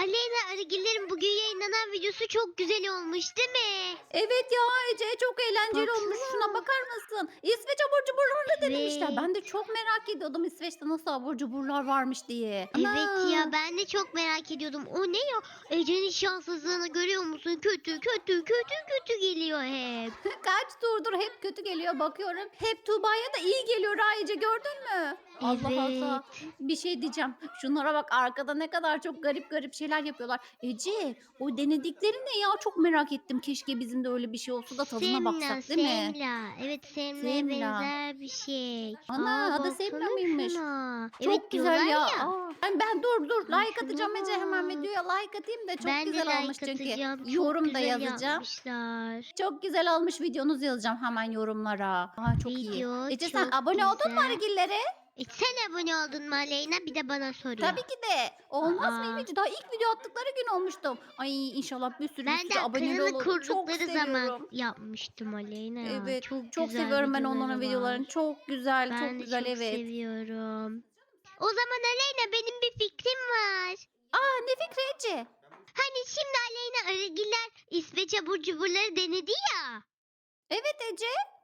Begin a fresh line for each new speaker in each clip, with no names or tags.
Aleyna Arıgillerin bugün yayınlanan videosu çok güzel olmuş değil mi?
Evet ya Ece çok eğlenceli olmuş. Şuna
Baksana.
bakar mısın? İsveç abur cuburlarını denemişler.
Evet.
Ben de çok merak ediyordum İsveç'te nasıl abur cuburlar varmış diye.
Evet ya
Ana!
ben de çok merak ediyordum. O ne ya? Ece'nin şanssızlığını görüyor musun? Kötü kötü kötü kötü geliyor hep.
Kaç turdur hep kötü geliyor bakıyorum. Hep Tuğba'ya da iyi geliyor ha Ece gördün mü? Allah Allah.
Evet.
Bir şey diyeceğim. Şunlara bak arkada ne kadar çok garip garip şeyler yapıyorlar. Ece o denedikleri ne ya? Çok merak ettim. Keşke bizim de öyle bir şey olsa da tadına
Semla,
baksak değil mi?
semla. Evet semlaya
Semla.
benzer bir şey.
Ana
Aa
adı Semla
baksana
mıymış?
şuna. Evet
Çok güzel
diyorlar
ya.
ya.
Ben dur
Ay
like
şuna
atacağım Ece hemen
bak.
videoya like atayım da çok
Ben de
güzel olmuş
like
çünkü.
atacağım. Çok
Yorum da
güzel
yazacağım.
yapmışlar.
Çok güzel olmuş videonuzu yazacağım hemen yorumlara. Çok iyi.
Video
Ece sen
çok
abone oldun mu
güzel.
Arıgillere?
Sen abone oldun mu Aleyna? Bir de bana soruyor.
Tabii ki de. Olmaz mıyım
Aa,
Ece? Daha ilk video attıkları gün olmuştum. Ay inşallah bir
ben de
sürü aboneleri
kanalı
olur. Çok
kurdukları zaman
seviyorum.
yapmıştım Aleyna ya.
Evet.
Çok
Çok
güzel
seviyorum ben
videoları
onların
var.
videolarını. Çok güzel, çok
Ben de
güzel
çok
evet.
seviyorum. O zaman Aleyna benim bir fikrim var.
Ne fikri Ece?
Hani şimdi Aleyna Arıgiller İsveç abur cuburları denedi ya.
Evet Ece.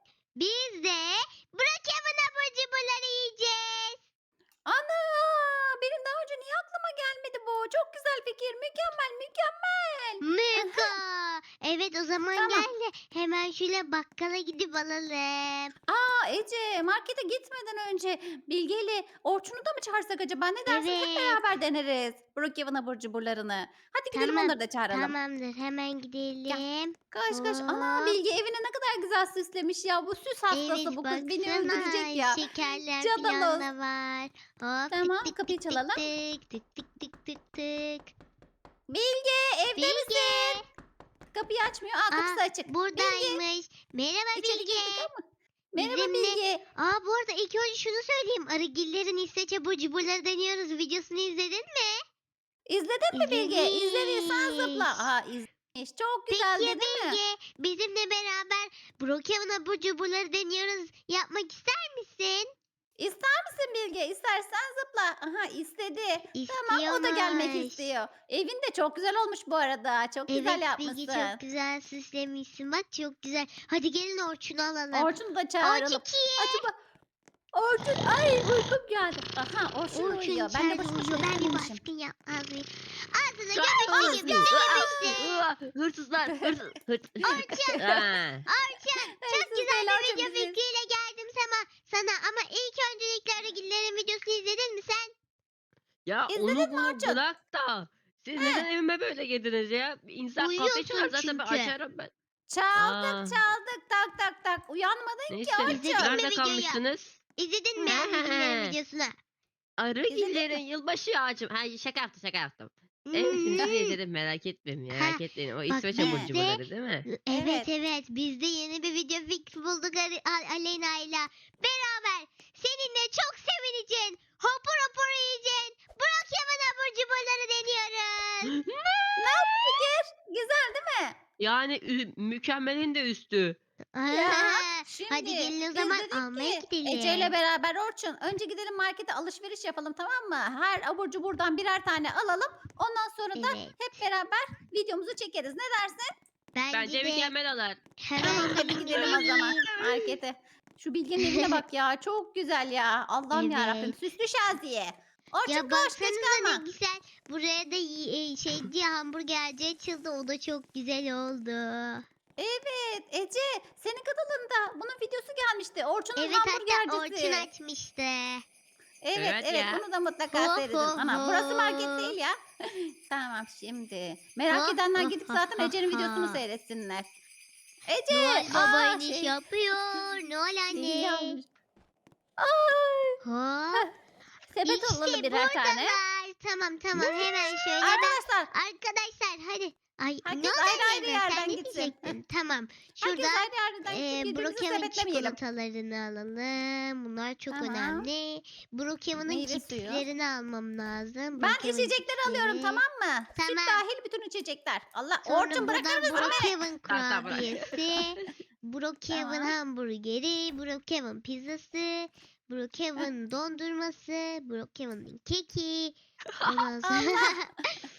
Biz de Brookhaven abur cuburları yiyeceğiz.
Ana! Benim daha önce niye aklıma gelmedi bu? Çok güzel fikir. Mükemmel, mükemmel.
Mega. Evet o zaman
Tamam.
gel de hemen şöyle bakkala gidip alalım.
Ece markete gitmeden önce Bilge ile Orçun'u da mı çağırsak acaba? Ne dersin? Hep
Evet.
beraber deneriz. Brookhaven abur cuburlarını. Hadi gidelim
Tamam.
onları da çağıralım.
Tamamdır. Hemen
Gel.
gidelim.
Koş koş. Ana
Hop.
Bilge evine ne kadar güzel süslemiş ya. Bu süs hastası
Evet
bu kız. Beni öldürecek
baksana
ya.
şekerler falan
Cadaloz.
da var. Hop
Tamam
tık tık
kapıyı
tık tık
çalalım.
tık tık tık tık tık tık.
Bilge evde
Bilge.
misin? Kapıyı açmıyor. Kapısı açık. Bilge
Buradaymış. Merhaba
içeri
Bilge.
girdik ama. Merhaba
Bizimle.
Bilge.
Bu arada ilk önce şunu söyleyeyim. Arıgillerin İsveç abur cuburları deniyoruz. Videosunu izledin mi?
İzledin mi Bilge? İzlediysen
İzlemiş.
zıpla. İzlemiş. Çok
Peki
güzeldi
ya
değil mi?
Bilge, bizimle beraber Brookhaven abur cuburları deniyoruz. Yapmak ister misin?
İster misin Bilge? İstersen zıpla. Aha istedi. Tamam o da gelmek
İstiyormuş.
istiyor. Evin de çok güzel olmuş bu arada. Çok güzel
Evet Bilge çok
yapmışsın.
güzel süslemişsin. Bak çok güzel. Hadi gelin Orçun'u alalım.
Orçun'u da çağıralım.
Orçuki.
Acaba Orçun ay uykum geldi. Aha Orçun da
Orçun
uyuyor. Ben de
içeride
boşu
uyuyor.
boşuna
Ben bir
üflememişim.
baskın yapmaz mıyım? Ağzına
Aa,
gömüştü gibi yemişti.
Hırsızlar, hırsız.
Orçun.
Aa,
Orçun. Çok
Hırsız
güzel
değil
bir
Orçun
video
biziz.
fikriyle geldim sana. Ama ilk öncelikle Arıgillerin videosunu izledin mi sen?
ya
İzledin
onu
mi
bunu
Orçun?
bırak da. Siz
He.
neden evime böyle girdiniz ya? Bir İnsan kahve çalar
Uyuyorsun
zaten ben
çünkü.
açarım ben.
Çaldık
Aa,
çaldık tak tak tak. Uyanmadın ki
neyse.
İzledin
Orçun.
mi
Nerede
videoyu?
kalmıştınız?
İzledin mi
He.
Arıgillerin videosunu?
İzledin
Arıgillerin
mi?
yılbaşı ağacım. Ha şaka yaptım. Evet hepsini
Hmm.
izledim merak etmeyin
Ha,
merak etmeyin. O
bak
İsveç abur
He.
cuburları değil mi?
Evet
Evet.
evet biz de yeni bir video fikri bulduk Aleyna ile beraber seninle çok sevineceksin. Hopur hopur yiyeceksin. Brookhaven abur cuburları deniyoruz.
Nasıl fikir? Güzel değil mi?
Yani mükemmelin de üstü.
Ya
Hadi
şimdi
gelin o
biz
zaman
dedik
almaya
ki Ece ile
gidelim.
beraber Orçun önce gidelim markete alışveriş yapalım tamam mı? Her abur cuburdan birer tane alalım. Ondan sonra da
Evet.
hep beraber videomuzu çekeriz. Ne dersin?
Bence
Bence de
mükemmel olur.
Tamam
hemen
hadi gidelim o zaman markete. Şu Bilge'nin evine bak ya çok güzel ya. Allah'ım ya Rabbim
Evet.
süslü şaziye. Orçun
Ya
koş geç
baksanıza ne
kalma.
güzel. Buraya da şey diye hamburgerci açıldı. O da çok güzel oldu.
Evet Ece senin kanalında bunun videosu gelmişti. Orçun'un
Evet hatta Orçun
hamburgercisi.
açmıştı.
Evet
Evet
evet
ya.
bunu da mutlaka
Ho
seyredin.
ho
Ana burası market
ho.
değil ya. Tamam şimdi.
Ho
Merak edenler
ho
gidip
ho
zaten
ho
Ece'nin videosunu
ho.
seyretsinler. Ece!
Noel Baba iniş yapıyor. Noel
Zil
anne.
almış. Ay!
Hop.
Sepet alalım
İşte
birer tane.
buradalar. Tamam hemen şöyle ben.
Arkadaşlar
Arkadaşlar hadi. Ay
herkes
ne oldu
ayrı ayrı
Aleyna? Sen
yerden
ne
gitsin.
diyecektin? Tamam. Şurada
Herkes ayrı yerden gitsin birbirimizi
Brookhaven
sepetlemeyelim.
çikolatalarını alalım. Bunlar çok
Tamam.
önemli. Brookhaven'ın
Meyve suyu.
cipslerini almam lazım.
Ben
Brookhaven
içecekleri alıyorum
cipsleri.
tamam mı? Süt
Tamam.
dahil bütün içecekler. Allah
Sonra
Orçun bırakır
buradan
mısın beni?
Brookhaven
Tamam bırak.
kurabiyesi, Brookhaven
Tamam.
hamburgeri, Brookhaven pizzası, Brookhaven dondurması, Brookhaven'ın keki. Ondan sonra
Allah.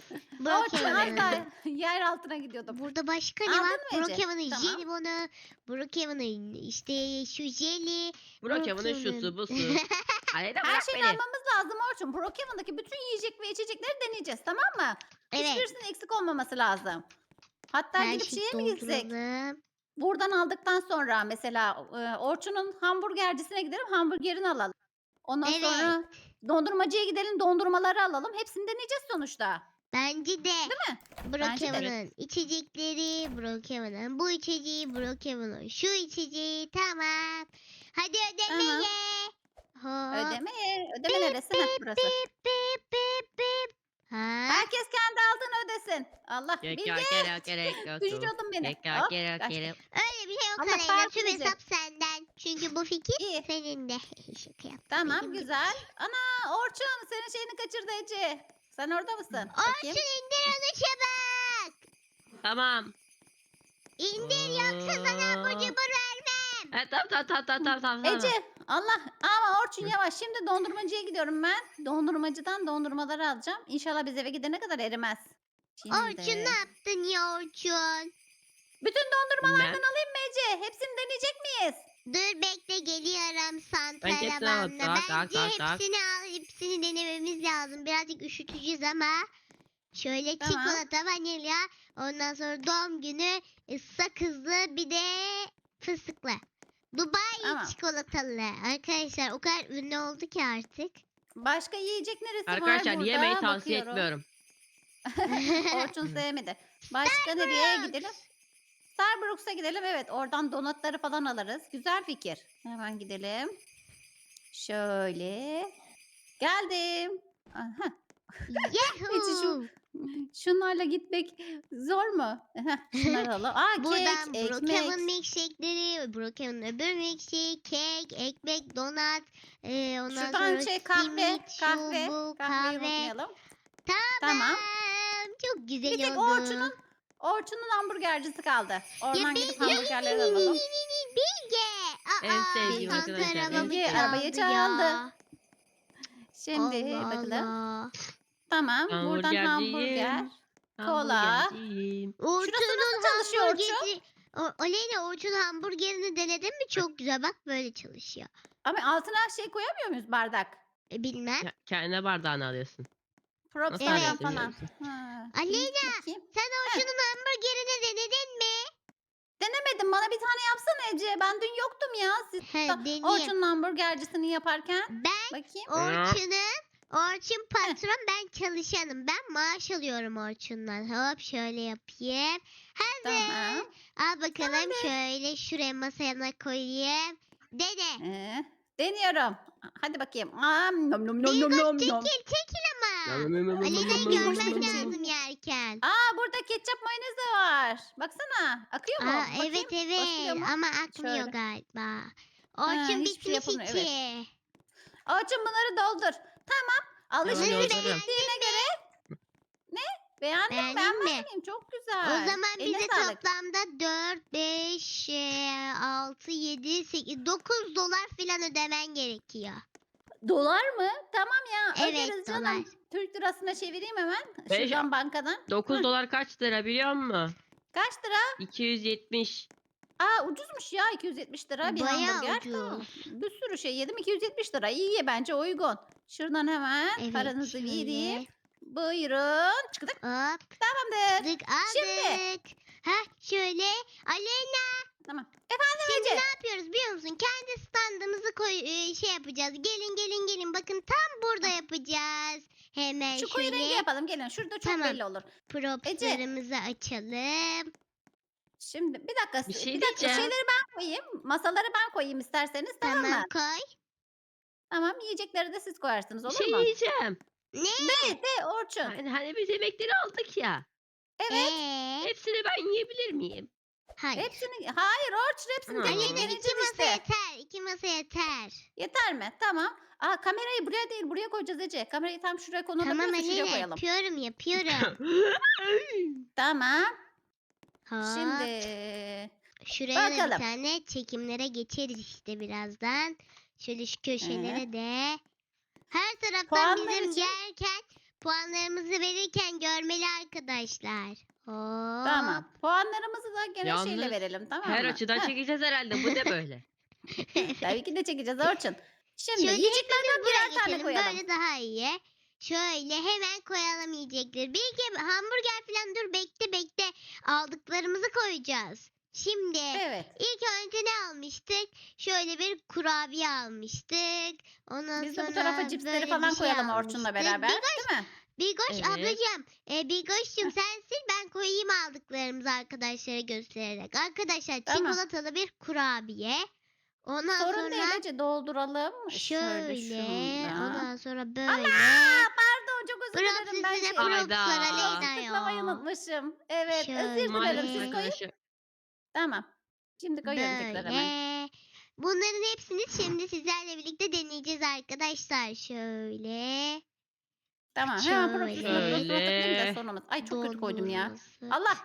Orçun az
Brookhaven'ın.
daha yer altına gidiyordum.
Burada başka ne
Aldın
var?
mı Ece?
Brookhaven'ın
Tamam.
jelibonu, Brookhaven'ın işte şu jeli,
Brokeman'ın şusu busu. Aleyna
Her
bırak
şeyi
beni.
almamız lazım Orçun. Brookhaven'daki bütün yiyecek ve içecekleri deneyeceğiz, tamam mı?
Evet.
Hiçbirisinin eksik olmaması lazım. Hatta
Her
gidip
şeyi
şeye mi gitsek?
dolduralım.
Buradan aldıktan sonra mesela Orçun'un hamburgercisine gidelim, hamburgerini alalım. Ondan
Evet.
sonra dondurmacıya gidelim, dondurmaları alalım. Hepsini deneyeceğiz sonuçta.
Bence de.
Değil mi? Bence de.
Brookhaven'ın içecekleri, Brookhaven'ın bu içeceği, Brookhaven'ın şu içeceği, tamam. Hadi ödemeye. Hop.
Ödeme neresi? Heh, burası.
Bip bip bip bip. Ha?
Herkes kendi aldığını ödesin. Allah
Gerek
Bilge.
yok, gerek yok.
Düşürüyordun beni.
Gerek yok,
Hop,
gerek
kaçtık.
gerek.
Öyle bir şey yok
Ama
Aleyna.
fark
Tüm
edecek.
hesap senden. Çünkü bu fikir
İyi.
senin de. Şaka yaptım.
Tamam
Benim de.
güzel. Ana Orçun senin şeyini kaçırdı Ece. Sen orada mısın?
Orçun
Bakayım.
indir onu çabuk.
Tamam.
İndir yoksa sana abur cubur vermem.
Tamam.
Ece Allah ama Orçun yavaş. Şimdi dondurmacıya gidiyorum ben. Dondurmacıdan dondurmaları alacağım. İnşallah biz eve gidene kadar erimez. Şimdi.
Orçun ne yaptın ya Orçun?
Bütün dondurmalardan
Ben-
alayım mı Ece? Hepsini deneyecek miyiz?
Dur bekle geliyorum
Ben hepsini
Santaraban'la.
alıp tak,
Bence
tak.
hepsini al, hepsini denememiz lazım. Birazcık üşüteceğiz ama. Şöyle
Tamam.
çikolata, vanilya, ondan sonra doğum günü sakızlı bir de fıstıklı. Dubai
Tamam.
çikolatalı. Arkadaşlar o kadar ünlü oldu ki artık.
Başka yiyecek neresi var
Arkadaşlar
burada?
yemeği tavsiye
Bakıyorum.
etmiyorum.
Orçun sevmedi. Başka nereye gidelim? Starbucks'a gidelim. Evet oradan donatları falan alırız. Güzel fikir. Hemen gidelim. Şöyle. Geldim. Aha.
Yahoo!
Şunlarla gitmek zor mu? Heh, şunları alalım. Aa
Buradan
kek,
Brookhaven
ekmek.
milkshake'leri, Brookhaven öbür milkshake, kek, ekmek, donat, ondan
Şuradan
sonra
şey kahve,
simit, şu
kahve.
bu,
Kahveyi
kahve.
unutmayalım.
Tamam.
Tamam.
Çok güzel
Bir tek
oldu.
Orçun'un hamburgercisi kaldı. Oradan
Bilge,
gidip hamburgerleri alalım.
Bilge.
En sevdiğim
Aa,
arkadaşlar,
Santa
en
arabamı
sevdiğim.
çaldı
Arabayı çaldı.
ya.
Şimdi
Allah
bakalım.
Allah.
Tamam. Buradan hamburger. Kola.
Hamburgerciyim.
Orçun'un
çalışıyor Orçun?
hamburgeri. Aleyna Orçun hamburgerini denedin mi? Çok güzel. Bak böyle çalışıyor.
Ama altına şey koyamıyor muyuz bardak?
Bilmem.
Kendine bardağını alıyorsun.
Props
Nasıl
Evet.
falan
alıyorsun
falan.
biliyor musun?
Ha,
Aleyna,
bakayım.
sen Orçun'un hamburgerini denedin mi?
Denemedim. Bana bir tane yapsana Ece. Ben dün yoktum ya. Siz
He, deneyeyim.
Orçun'un hamburgercisini yaparken.
Ben
Bakayım.
Orçun patron, ben çalışanım. Ben maaş alıyorum Orçun'dan. Hop şöyle yapayım. Hazır.
Tamam.
Al bakalım şöyle şuraya masaya koyayım. Dene.
Deniyorum. Hadi bakayım. Nom nom nom nom
Bilgoş
nom nom.
çekil ama. Alena'yı
Bilgoş
görmen
çekil.
lazım yerken.
Burada ketçap mayonez de var. Baksana. Akıyor mu?
Aa,
Bakayım.
evet
Basıyor mu?
ama akmıyor
Şöyle.
galiba. Orçun
hiçbir şey
bitmiş
yapılmıyor,
içi.
Orçun bunları doldur. Tamam. Alışveriş
dolduruyorum.
bittiğine göre. Ne? Beğendin mi?
Beğendin
Beğenmez
mi?
miyim? Çok güzel.
O zaman
Eline
bize
sağlık.
toplamda 4, 5, 6, 7, 8, 9 dolar falan ödemen gerekiyor.
Dolar mı? Tamam ya.
Evet,
Öderiz canım.
dolar.
Türk lirasına çevireyim hemen.
Beş-
Şuradan bankadan.
9 dolar kaç lira biliyor musun?
Kaç lira?
270.
Ucuzmuş ya 270 lira bir
Bayağı
hamburger.
ucuz.
Tamam. Bir sürü şey yedim 270 lira. İyi bence uygun. Şuradan hemen
Evet,
paranızı
şöyle.
vereyim. Buyurun. Çıktık.
Hop
Tamamdır.
tık aldık. Heh şöyle. Aleyna
Tamam.
şimdi
Ece.
ne yapıyoruz biliyor musun? Kendi standımızı şey yapacağız. Gelin bakın tam burada yapacağız. Hemen
Şu koyu rengi
şöyle
yapalım gelin. Şurada çok
Tamam.
belli olur.
propslarımızı açalım.
Şimdi bir dakika.
Bir şey
bir dakika
diyeceğim.
şeyleri ben koyayım. Masaları ben koyayım isterseniz tamam mı?
Tamam koy.
Tamam yiyecekleri de siz koyarsınız
Bir
olur
şey
mu?
yiyeceğim.
De Orçun.
Hani biz yemekleri aldık ya.
Evet.
Hepsini ben yiyebilir miyim?
Hayır.
Hayır Orçun hepsini
Hı.
tek tek
Aleyna
deneyeceğiz
2 masa
işte.
yeter. 2 masa yeter.
Yeter mi? Tamam. Kamerayı buraya değil buraya koyacağız Ece. Kamerayı tam şuraya
Tamam
konulabiliyorsa şuraya
Aleyna
koyalım.
yapıyorum.
Tamam.
Hop.
Şimdi
Şuraya da bir
bakalım.
tane çekimlere geçeriz işte birazdan. Şöyle şu köşelere de. Her taraftan
Puanlar
bizim
için-
yerken puanlarımızı verirken görmeli arkadaşlar. Hop.
Tamam. Puanlarımızı da gene şeyle
Yalnız
verelim, tamam
her
mı?
açıdan
Heh,
çekeceğiz herhalde. Bu ne böyle?
tabii ki de çekeceğiz Orçun. Şimdi
Şöyle
yiyeceklerden
hepimiz buraya
birer tane
geçelim.
koyalım.
Böyle daha iyi. Şöyle hemen koyalım yiyecekleri. Bir iki hamburger falan dur bekle. Aldıklarımızı koyacağız. Şimdi
Evet.
ilk önce ne almıştık? Şöyle bir kurabiye almıştık. Ondan
Biz de
sonra
bu tarafa cipsleri
böyle
falan
bir şey
koyalım Orçun'la
almıştık.
beraber. Değil mi?
Bilgoş
Evet.
ablacığım. Bilgoş'cum sen sil ben koyayım aldıklarımızı arkadaşlara göstererek. Arkadaşlar
Tamam.
çikolatalı bir kurabiye. Ondan
Sorun
sonra
değil Ece, dolduralım.
şöyle.
şundan.
Ondan sonra böyle.
Allah! Pardon, çok özür
Props
dilerim ben
üstüne
şey.
props
Hayda.
var Aleyna
Tıklamayı
ya.
unutmuşum. Evet, özür
Şöyle.
dilerim.
Maalesef
Siz koyun.
arkadaşlar.
Tamam. Şimdi koyuyorum tekrar hemen.
Böyle. Bunların hepsini şimdi sizlerle birlikte deneyeceğiz arkadaşlar. Şöyle.
Tamam. Hemen
Şöyle.
profesyonel tıklayayım da
Şöyle.
sonumuz. Ay çok kötü koydum ya.
Dondurması.
Allah.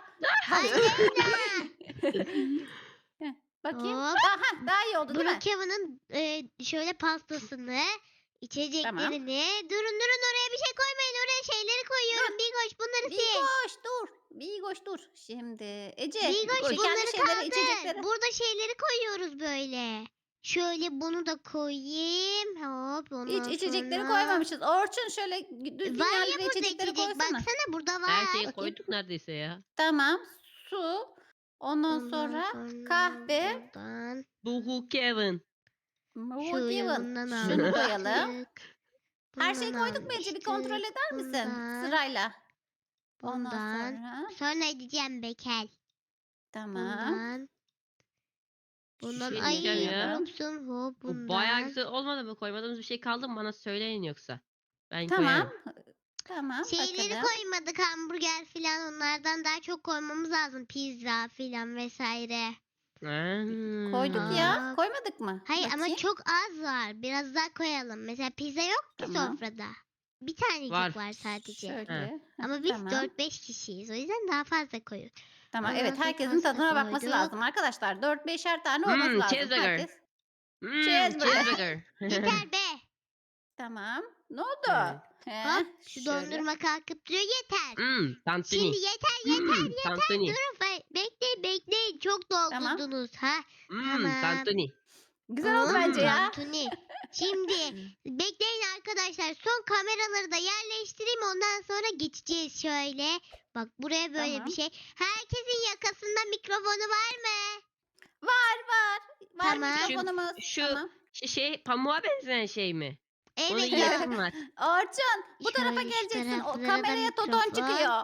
Aleyna.
Bakayım.
Hop.
Aha, daha iyi oldu değil mi?
Brookhaven'ın şöyle pastasını, içeceklerini. Durun oraya bir şey koymayın. Oraya şeyleri koyuyorum. Bilgoş bunları sil.
Bigoş dur. Bigoş dur. Şimdi Ece.
Bilgoş
şekerli
bunları
şeyleri,
kaldır.
içecekleri.
Burada şeyleri koyuyoruz böyle. Şöyle bunu da koyayım. Hop ondan
Hiç içecekleri
sonra.
koymamışız. Orçun şöyle düzgün
Var
yerli
ya
ve
burada
içecekleri
içecek.
koysana.
Baksana burada var.
Her şeyi
Bakayım.
koyduk neredeyse ya.
Tamam. Su. Ondan
Ondan
sonra
sonra
kahve.
buradan.
Buhu Kevin.
Şöyle
Given.
bundan
Şunu koyalım.
almıştık.
Her şeyi
Bundan
koyduk mu Ece? Bir kontrol
almıştık.
eder misin?
Bundan.
Sırayla. Ondan
Bundan.
sonra.
Sonra edeceğim Bekel.
Tamam.
Bundan. Bundan
Şey
ay
diyeceğim ya.
unuttum. Hop
Bu
bundan.
bayağı güzel olmadı mı? Koymadığımız bir şey kaldı mı? Bana söyleyin yoksa. Ben
Tamam.
koyarım.
Tamam.
Şeyleri
bakalım.
koymadık hamburger filan onlardan daha çok koymamız lazım. Pizza filan vesaire.
Koyduk ya.
Aa.
Koymadık mı?
Hayır ama
Bakayım.
çok az var. Biraz daha koyalım. Mesela pizza yok ki
Tamam.
sofrada. Bir tanecik
Var.
var sadece.
Şöyle.
Ama biz
Tamam.
4-5 kişiyiz. O yüzden daha fazla koyuyoruz.
Tamam.
Ondan
Evet,
sonra
herkesin
pasta
tadına bakması
koyduk.
lazım arkadaşlar. 4-5'er tane olması lazım.
Cheeseburger.
Herkes.
Cheeseburger.
Cheeseburger.
Yeter be.
Tamam. Ne oldu?
Evet.
He,
Hop şu
şöyle.
dondurma kalkıp duruyor. Yeter.
Tantuni.
Şimdi yeter.
Tantuni.
Durun bekleyin. Çok
Tamam.
doldurdunuz. Ha? Tamam.
Tantuni.
Güzel oldu bence ya.
Tantuni. Şimdi bekleyin arkadaşlar. Son kameraları da yerleştireyim. Ondan sonra geçeceğiz şöyle. Bak buraya böyle
Tamam.
bir şey. Herkesin yakasında mikrofonu var mı?
Var. Var
Tamam.
mikrofonumuz.
Şu-
Tamam.
Şey pamuğa benzeyen şey mi? Onu
Evet.
yiyesim var.
Orçun bu tarafa
Şöyle şu
geleceksin. O
taraflara da
kameraya Toton
mikrofon.
çıkıyor.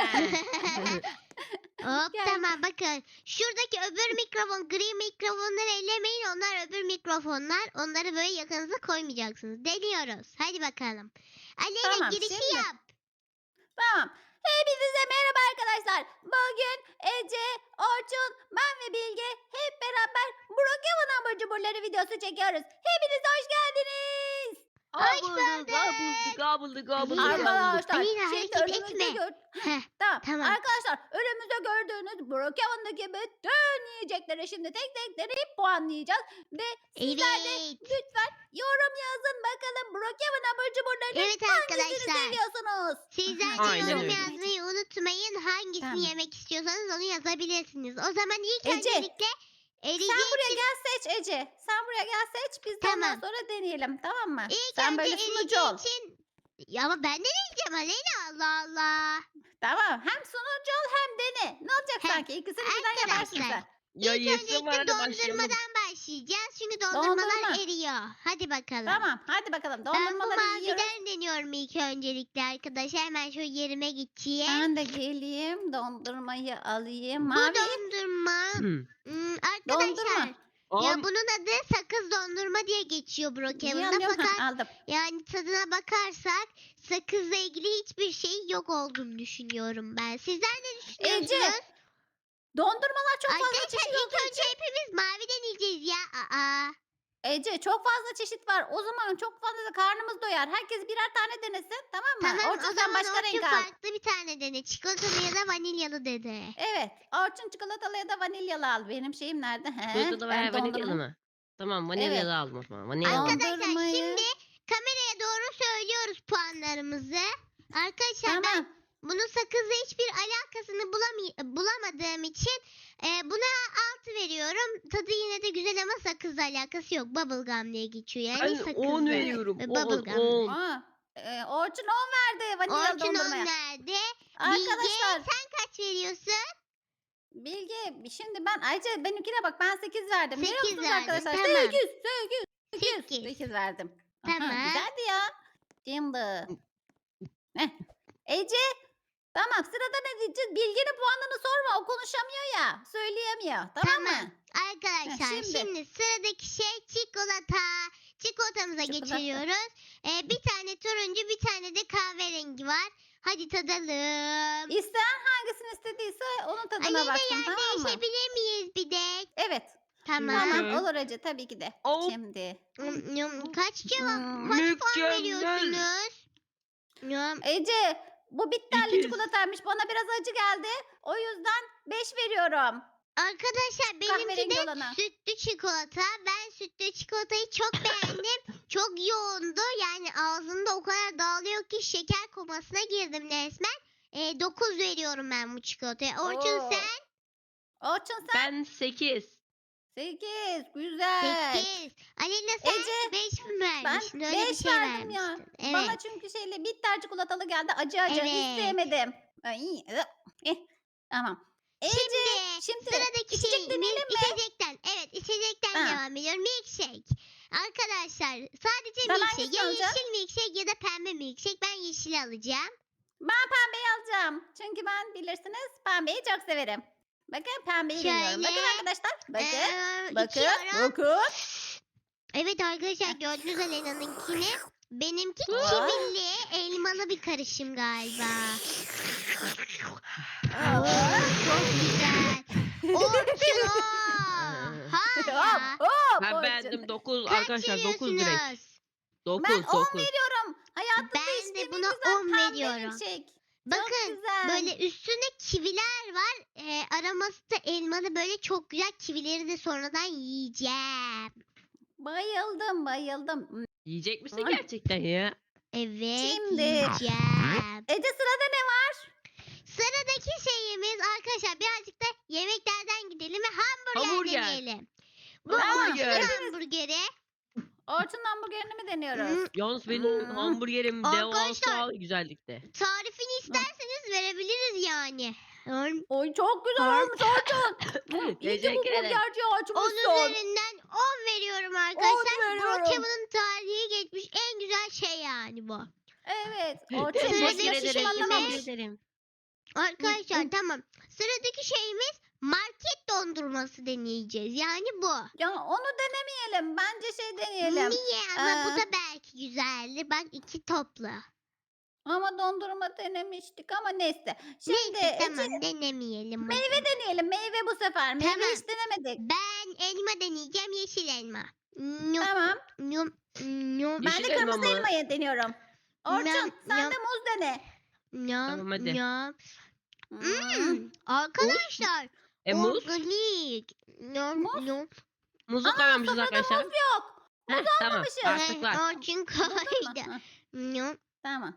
Hop
Gel.
tamam bakın. Şuradaki öbür mikrofon, gri mikrofonları ellemeyin. Onlar öbür mikrofonlar. Onları böyle yakınıza koymayacaksınız. Deniyoruz. Hadi bakalım. Aleyna
Tamam,
girişi
şimdi.
yap.
Tamam. Hepinize merhaba arkadaşlar. Bugün Ece, Orçun, ben ve Bilge hep beraber Brookhaven hamur cuburları videosu çekiyoruz. Hepiniz hoş geldiniz.
Hoş bulduk.
Gobuldu.
Arkadaşlar
Aleyna,
şimdi
hareket
önümüzde
etme. Heh,
Tamam.
Tamam.
Arkadaşlar önümüzde gördüğünüz Brookhaven'daki bütün yiyecekleri şimdi tek tek deneyip puanlayacağız. Ve sizler de
Evet.
lütfen yorum yazın bakalım Brookhaven hamur cuburlarını
Evet
hangisini
arkadaşlar.
seviyorsunuz?
Sizler de
Aynen
yorum
öyle.
yazmayı unutmayın. Hangisini
Tamam.
yemek istiyorsanız onu yazabilirsiniz. O zaman ilk
Ece,
öncelikle
Sen
eriyecek.
buraya gel seç Ece. Sen buraya gel seç. Biz de ondan
Tamam.
sonra deneyelim. Tamam mı?
İlk
Sen
önce
böyle sunucu
eriyeceği
ol.
için. Ya ama ben de yiyeceğim Aleyna Allah Allah.
Tamam. Hem sunucu ol hem dene. Ne olacak
Hem-
sanki? İkisini birden yaparsın
Arkadaşlar,
sen.
Ya
İlk
yesin
öncelikle
var hadi başlayalım.
dondurmadan başlayacağız. Çünkü dondurmalar
Dondurma.
eriyor. Hadi bakalım.
Tamam. Hadi bakalım.
Ben bu
Dondurmaları yiyoruz.
maviden deniyorum ilk öncelikle arkadaşlar. Hemen şöyle yerime geçeyim.
Ben de geleyim. Dondurmayı alayım.
Bu
Mavi.
dondurma. Arkadaşlar.
Dondurma.
Ya bunun adı sakız dondurma diye geçiyor Brookhaven'da.
Yiyorum.
Fakat
Ha, aldım.
yani tadına bakarsak sakızla ilgili hiçbir şey yok olduğunu düşünüyorum ben. Sizler ne düşünüyorsunuz?
Ece, Dondurmalar çok fazla
Arkadaşlar
çeşit
ilk
olduğu
önce hepimiz maviden yiyeceğiz ya.
Ece çok fazla çeşit var. O zaman çok fazla da karnımız doyar. Herkes birer tane denesin. Tamam mı?
Tamam
Orçun
o
sen
zaman
başka
Orçun
renk al.
farklı bir tane dene. Çikolatalı ya da vanilyalı dedi.
Evet. Orçun çikolatalı ya da vanilyalı al. Benim şeyim nerede? He,
Çikolatalı
ben
veya vanilyalı
dondurma-
mı? Tamam vanilyalı
Evet.
aldım o zaman. Vanilyalı aldım.
Arkadaşlar
Dondurmayı-
şimdi kameraya doğru söylüyoruz puanlarımızı. Arkadaşlar ben
Tamam.
bunun sakızla hiçbir alakasını bulamadığım için buna 6 veriyorum. Tadı yine de güzel ama sakızla alakası yok. Bubblegum diye geçiyor yani
Ben
sakızlı.
10 veriyorum.
ve
10
bubblegum.
10.
Aa, Orçun 10 verdi vanilyalı
Orçun 10
dondurmaya.
nerede?
Arkadaşlar
Bilge sen kaç veriyorsun?
Bilge şimdi ben Ayça benimkine bak ben 8 verdim. Görüyor
8
musunuz
verdin,
arkadaşlar?
tamam.
8
8.
8 verdim. Aha,
Tamam.
güzeldi ya. Şimdi. Heh. Ece tamam sırada ne diyeceğiz? Bilge'nin puanını sorma o konuşamıyor ya. Söyleyemiyor tamam mı?
Tamam. Arkadaşlar
şimdi.
şimdi sıradaki şey çikolata. Çikolatamıza
Çikolata.
geçiriyoruz. Bir tane turuncu bir tane de kahverengi var. Hadi tadalım.
İsteyen hangisini istediyse onun tadına
Aleyna
baksın
yer
tamam mı?
değişebilir miyiz bir de?
Evet.
Tamam.
Tamam
Hı.
olur Ece tabii ki de.
Oh.
Şimdi.
Kaç cevap,
Hmm,
kaç puan
mükemmel.
veriyorsunuz? Yum,
Ece bu bitterli
200.
çikolataymış. Bana biraz acı geldi. O yüzden 5 veriyorum.
Arkadaşlar benimki
Kahverengi
de
olana.
sütlü çikolata. Ben sütlü çikolatayı çok beğendim. Çok yoğundu. Yani ağzımda o kadar dağılıyor ki şeker komasına girdim resmen. 9 veriyorum ben bu çikolataya. Orçun
Oo.
sen?
Orçun sen
Ben 8.
8. Güzel.
8. Aleyna sen
Ece,
5 mi
Ben
vermiştin? Öyle bir
5
şey
verdim ya.
vermiştin. Evet.
Bana çünkü bitter çikolatalı geldi. Acı acı. Hiç
Evet.
sevmedim. Ay, tamam. Ece şimdi
Sıradaki
içecek
şey
deneyelim mi?
içecekten. Evet içecekten
Ha.
devam ediyorum. Milkshake. Arkadaşlar sadece
Ben
milkshake.
hangisini
Ya
alacağım?
yeşil milkshake ya da pembe milkshake. Ben yeşil alacağım.
Ben pembeyi alacağım. Çünkü ben bilirsiniz pembeyi çok severim. Bakın pembeyi deniyorum. Bakın
Şöyle,
arkadaşlar. Bakın. Bakın.
içiyorum.
Bakın.
Evet arkadaşlar gördünüz Alena'nınkini. Benimki
Aa.
kivili elmalı bir karışım galiba.
Aa.
Çok güzel. Orçun o. Ha ya.
Hop, hop,
Ben
Orçun.
beğendim 9
Kaç
arkadaşlar 9 direkt.
veriyorsunuz?
9
Ben 10
9.
veriyorum. Hayatımda
Ben de
içtiğim
buna
en güzel
10
pembe
veriyorum.
milkshake.
Bakın
Çok güzel.
böyle üstünde kiviler var. Aroması da elmalı böyle çok güzel. Kivileri de sonradan yiyeceğim.
Bayıldım bayıldım.
Yiyecek misin
Ay.
gerçekten ya?
Evet
Şimdi.
yiyeceğim.
Ece sırada ne var?
Sıradaki şeyimiz arkadaşlar birazcık da yemeklerden gidelim ve hamburger
Hamburger.
deneyelim. Bu
Hamburger.
Orçun hamburgeri.
Orçun hamburgerini mi deniyoruz?
Hmm,
Yalnız benim
Hmm.
hamburgerim
Arkadaşlar.
devasa güzellikte.
Tarifini isterseniz verebiliriz yani.
Oy çok güzel olmuş Orçun. İyi ki bu
Teşekkür ederim.
burgerci
10
açmışsın.
üzerinden 10 veriyorum arkadaşlar.
veriyorum.
Brokeman'ın tarihi geçmiş en güzel şey yani bu.
Evet. Orçun
Teşekkür
boşuna
ederim,
şişman
teşekkür
anlamamış.
ederim.
Arkadaşlar
Hı.
tamam. Sıradaki şeyimiz market dondurması deneyeceğiz. Yani bu.
Ya onu denemeyelim. Bence deneyelim.
Niye? Ama bu
Ee,
da belki güzeldi. Bak iki toplu.
Ama dondurma denemiştik ama neyse. Şimdi
Neyse
Ece,
tamam denemeyelim.
meyve deneyelim. Meyve bu sefer. Meyve
Tamam.
hiç denemedik.
Ben elma deneyeceğim. Yeşil elma. Nyum,
Tamam.
nyum, nyum,
Ben
Yeşil
de
elma
kırmızı
mı?
elmayı deniyorum. Orçun
Nyam,
sen
nyam.
de muz dene.
nyum,
Tamam, hadi.
nyum.
Hmm.
Arkadaşlar.
Muz?
Organik. Nyum,
Muz?
nyum.
Muzu
Aa,
koymamışız
sofrada
arkadaşlar.
muz yok.
Heh, tamam
almamışız.
artık var.
Orçun
Buldun mu?
koydu.
Ha,
Nyum.
tamam.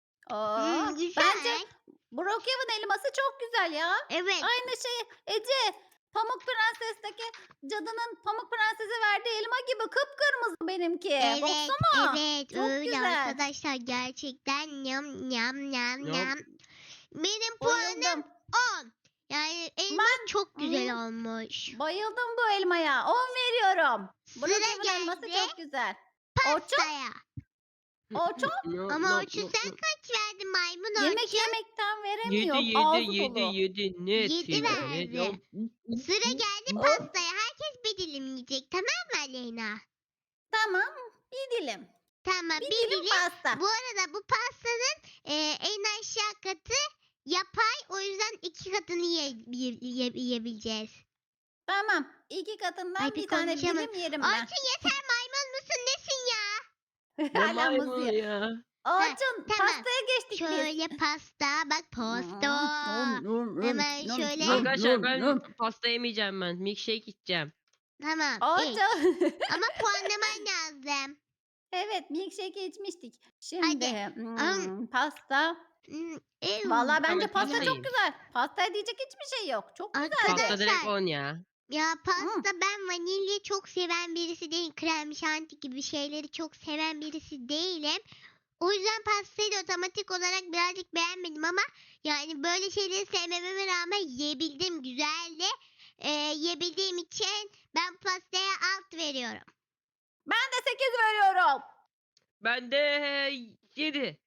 Oo,
Güzel.
bence Brookhaven elması çok güzel ya.
Evet.
Aynı şey Ece. Pamuk Prenses'teki cadının Pamuk Prenses'e verdiği elma gibi kıpkırmızı benimki.
Evet,
Baksana.
evet
çok
öyle
güzel.
arkadaşlar gerçekten nyam nyam nyam
Nyam.
nyam. Benim puanım
Bayıldım.
10. Yani elma çok güzel olmuş.
Bayıldım bu elmaya. 10 veriyorum.
Sıra
Brookhaven elması
geldi
çok güzel. Orçun,
pastaya.
Orçun.
Ama Orçun sen kaç verdin maymun Orçun?
Yemek yemekten veremiyor.
7
Ağzı
7
dolu.
7 net.
7 verdi. Sıra geldi
Oh.
pastaya. Herkes bir dilim yiyecek tamam mı Aleyna?
Tamam. Bir dilim.
Tamam
Bir
bir
dilim
dilim.
pasta.
Bu arada bu pastanın en aşağı katı yapay. O yüzden 2 katını yiyebileceğiz.
Tamam. 2 katından
Ay, bir
bir tane
konuşamadım.
dilim yerim ben.
Orçun yeter maymun musun nesin ya?
Ne
Hala muz
maymun
yiyor.
ya.
Orçun
tamam.
pastaya geçtik biz.
Şöyle pasta bak pasta. Hemen şöyle-
Arkadaşlar ben pasta yemeyeceğim ben. Milkshake içeceğim.
Tamam iç.
Orçun.
Ama puanlaman lazım.
Evet milkshake'i içmiştik. Şimdi
Hadi.
pasta. Vallahi bence
Tamam,
pasta
pasta
çok
yiyin.
güzel. Pastaya diyecek hiçbir şey yok. Çok güzeldi.
Pasta direkt
Arkadaşlar
10 ya.
ya pasta ben vanilya çok seven birisi değilim. Krem şanti gibi şeyleri çok seven birisi değilim. O yüzden pastayı da otomatik olarak birazcık beğenmedim ama yani böyle şeyleri sevmememe rağmen yiyebildim. Güzeldi. Yiyebildiğim için ben pastaya alt veriyorum.
Ben de 8 veriyorum.
Ben de 7.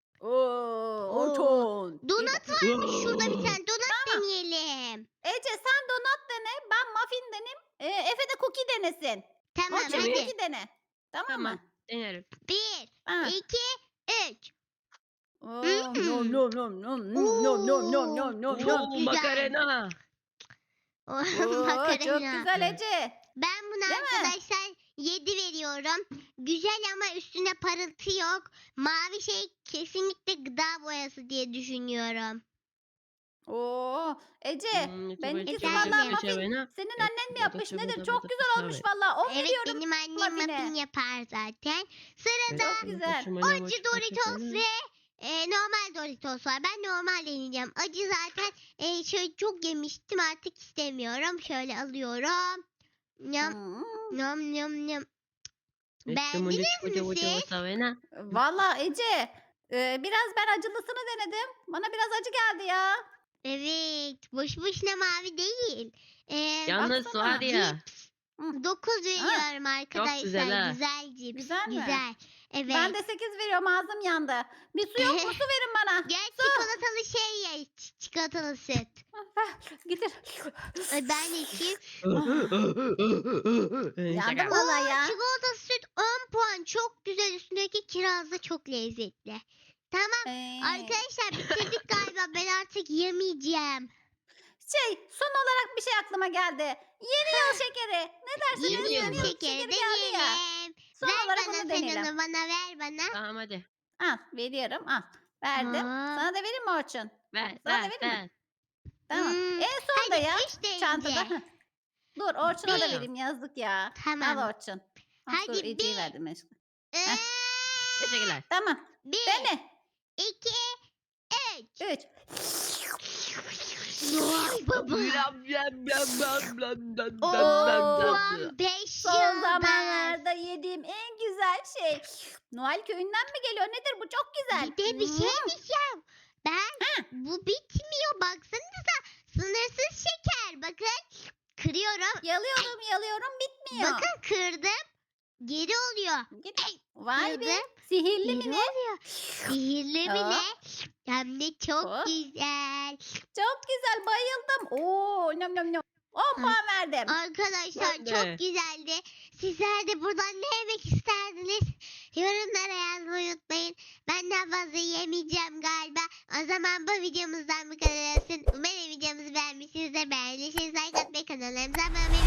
Orçun.
Donat varmış şurada bir tane. Donat deneyelim.
Ece sen donat dene. Ben muffin deneyim. Efe de cookie denesin.
Tamam
Orçun
Cookie.
hadi.
cookie dene. Tamam mı?
Tamam. Denerim.
1,
Ha.
2, 3.
Oo,
Hmm.
nom nom nom nom nom nom nom nom nom nom.
Çok
Oo,
güzel.
makarena.
Oo, çok
Makarena.
güzel Ece.
Ben buna
Değil mi?
arkadaşlar 7 veriyorum. Güzel ama üstünde parıltı yok. Mavi şey kesinlikle gıda boyası diye düşünüyorum.
Oo, Ece benimkisi
Efendim?
vallahi muffin. Senin annen mi yapmış nedir? Çok güzel olmuş vallahi. 10
Evet
veriyorum.
benim annem
muffine.
muffin yapar zaten. Sırada
Çok güzel.
acı Doritos ve normal Doritos var. Ben normal deneyeceğim. Acı zaten şöyle çok yemiştim artık istemiyorum. Şöyle alıyorum. Nyam
Hmm.
nyam nyam nyam. Beğendiniz mi siz?
Vallahi Ece biraz ben acılısını denedim. Bana biraz acı geldi ya.
Evet. Boş boşuna mavi değil.
Yalnız
baksana.
var ya.
9 veriyorum arkadaşlar.
güzel ha.
Güzel cips.
Güzel mi?
Güzel. Evet.
Ben de 8 veriyorum ağzım yandı. Bir su yok mu? Su verin bana.
Gel çikolatalı şey ye. Çikolatalı süt.
Getir.
Ay, ben de içeyim.
Yandım vallahi ya.
Çikolatalı süt 10 puan. Çok güzel. Üstündeki kiraz da çok lezzetli. Tamam. Arkadaşlar bitirdik galiba. Ben artık yemeyeceğim.
Son olarak bir şey aklıma geldi. Yeni yıl şekeri. Ne dersiniz?
Yeni
Yeni
yıl
yıl
şekeri
geldi ya.
deneyelim.
Son
Ver
olarak
bana
onu
sen
deneyelim.
onu bana ver bana.
Tamam hadi.
Al veriyorum. Al. Verdim.
Aa.
Sana da vereyim mi Orçun?
Ver
Sana da
ver
vereyim mi?
ver.
Tamam.
Hmm,
En son da
hadi
ya.
3 deyince.
Çantada. Heh. Dur Orçun'a da
Bir.
vereyim yazık ya.
Tamam.
Al Orçun. Ah,
Hadi
dur Ece'yi
bir.
verdim. aşkım.
Ee,
Teşekkürler.
Tamam.
1,
Dene.
2, 3.
3.
Vay baba.
Oo.
Puan 5
Son
yıldız.
zamanlarda yediğim en güzel şey. Noel köyünden mi geliyor? Nedir bu? Çok güzel.
Bir de bir şey diyeceğim. Bu bitmiyor. Baksanıza. Sınırsız şeker. Bakın. Kırıyorum.
Yalıyorum bitmiyor.
Bakın kırdım. Geri oluyor.
Git. Vay be.
Kırdım.
Sihirli
Geri
mi ne?
oluyor. Sihirli mi
Aa.
ne? Hem de çok
Oh.
güzel.
Çok güzel bayıldım. Oo nom nom nom. 10 puan verdim.
Arkadaşlar
Ben de.
çok güzeldi. Sizler de buradan ne yemek isterdiniz? Yorumlara yazmayı unutmayın. Ben daha fazla yemeyeceğim galiba. O zaman bu videomuzdan bu kadar olsun. Umarım videomuzu beğenmişsinizdir. Beğendiyseniz like atmayı, kanallarımıza abone olmayı